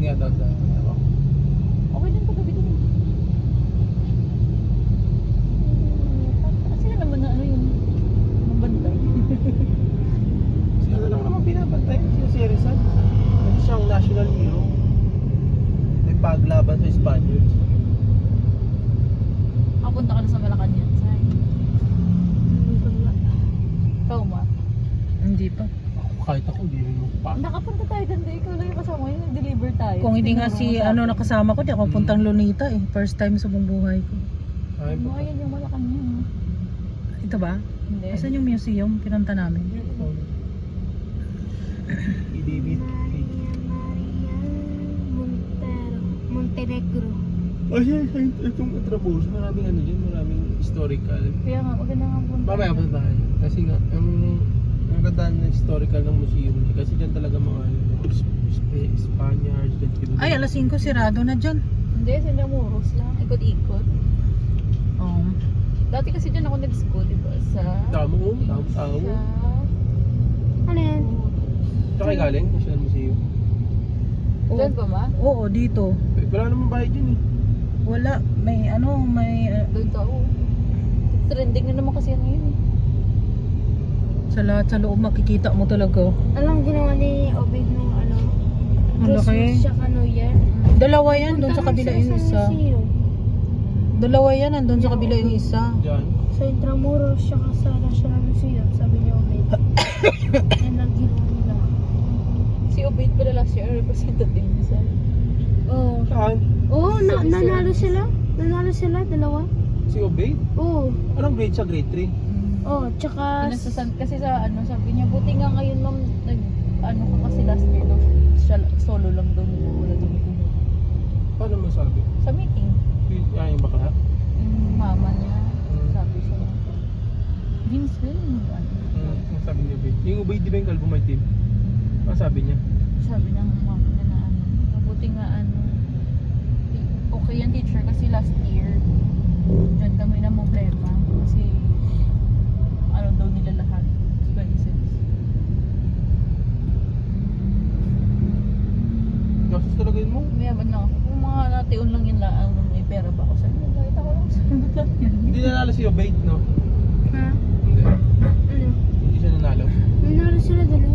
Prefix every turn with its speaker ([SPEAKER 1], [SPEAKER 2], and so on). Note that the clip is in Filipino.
[SPEAKER 1] nga daw sa
[SPEAKER 2] Okay din paggabi din. Sila naman na ano yung mabantay.
[SPEAKER 1] sila na lang naman binabantay si Rizal. Kasi siyang national hero. Nagpaglaban sa Spaniards.
[SPEAKER 2] Kapunta ka na sa Malacanang, say. Ikaw ma?
[SPEAKER 3] Hindi pa.
[SPEAKER 1] Kahit ako, hindi rin mo pa.
[SPEAKER 2] Nakapunta tayo doon, ikaw lang yung kasama yun, nag-deliver tayo.
[SPEAKER 3] Kung hindi nga si ano nakasama ko, di ako puntang Lunita eh. First time sa buong buhay ko.
[SPEAKER 1] Ay,
[SPEAKER 2] Ano, ayan yung Malacanang.
[SPEAKER 3] Ito ba?
[SPEAKER 2] Hindi.
[SPEAKER 3] Asan yung museum? Pinunta namin.
[SPEAKER 1] David.
[SPEAKER 4] Montenegro.
[SPEAKER 1] Ay, itong Atrabos, maraming ano dyan, maraming historical.
[SPEAKER 2] Kaya nga, maganda nga punta.
[SPEAKER 1] Mamaya pa tayo. Kasi nga, ang ganda ng historical ng museum niya. Kasi dyan talaga mga Spaniards.
[SPEAKER 3] Ay, alas 5 sirado na dyan.
[SPEAKER 2] Hindi, sila muros lang. Ikot-ikot.
[SPEAKER 3] Oh.
[SPEAKER 2] Dati kasi dyan ako nag-school, diba? Sa...
[SPEAKER 1] Tamo.
[SPEAKER 2] Sa...
[SPEAKER 4] Ano yan?
[SPEAKER 1] Saan kayo galing? National Museum.
[SPEAKER 2] Doon ba ma?
[SPEAKER 3] Oo, dito.
[SPEAKER 1] Wala namang bayad yun eh.
[SPEAKER 3] Wala. May ano, may...
[SPEAKER 2] Doon ka, oo. Trending na naman kasi yan ngayon eh.
[SPEAKER 3] sa lahat sa loob makikita mo talaga.
[SPEAKER 4] Anong ginawa ni Obed nung ano?
[SPEAKER 3] Ang laki.
[SPEAKER 4] Christmas tsaka New Year?
[SPEAKER 3] Dalawa yan, doon sa
[SPEAKER 4] Punta
[SPEAKER 3] kabila
[SPEAKER 4] siya
[SPEAKER 3] yung
[SPEAKER 4] sa
[SPEAKER 3] isa.
[SPEAKER 4] museum.
[SPEAKER 3] Dalawa yan, nandun sa kabila yung isa.
[SPEAKER 1] Diyan.
[SPEAKER 4] Sa Intramuros tsaka sa National Museum, sabi ni Obed. Yan ang ginawa nila.
[SPEAKER 2] Si Obaid pala last year, representative niya sa...
[SPEAKER 4] Oo.
[SPEAKER 1] Saan?
[SPEAKER 4] Oo, nanalo sila. Nanalo sila, dalawa.
[SPEAKER 1] Si Obey?
[SPEAKER 4] Oo.
[SPEAKER 1] Anong grade siya? Grade 3?
[SPEAKER 4] Oo, tsaka...
[SPEAKER 2] Kasi sa ano, sabi niya, buti nga ngayon ma'am, ano ka kasi last year daw, siya solo lang daw niya, wala daw niya.
[SPEAKER 1] Paano masabi?
[SPEAKER 2] Sa meeting,
[SPEAKER 1] Yung bakla?
[SPEAKER 2] yung mama niya,
[SPEAKER 1] Mm.
[SPEAKER 2] sabi siya, Vince Will, ano,
[SPEAKER 1] Ang sabi niya, Obey. Yung Obey, di ba yung kalbo may team? Ang sabi niya?
[SPEAKER 2] sabi ng mama niya na ano, mabuti nga ano, okay yan teacher kasi last year, dyan kami na problema, kasi ano daw nila lahat, expenses.
[SPEAKER 1] Gastos talaga yun mo?
[SPEAKER 2] Mayaman lang ako. Kung mga natiun lang yun lang, may pera ba ako sa inyo? Kahit ako lang sa lahat yan.
[SPEAKER 1] Hindi nanalo si Obey, no?
[SPEAKER 4] Ha?
[SPEAKER 1] Hindi.
[SPEAKER 4] Ano?
[SPEAKER 1] Hindi siya nanalo.
[SPEAKER 4] Nanalo sila dalawa.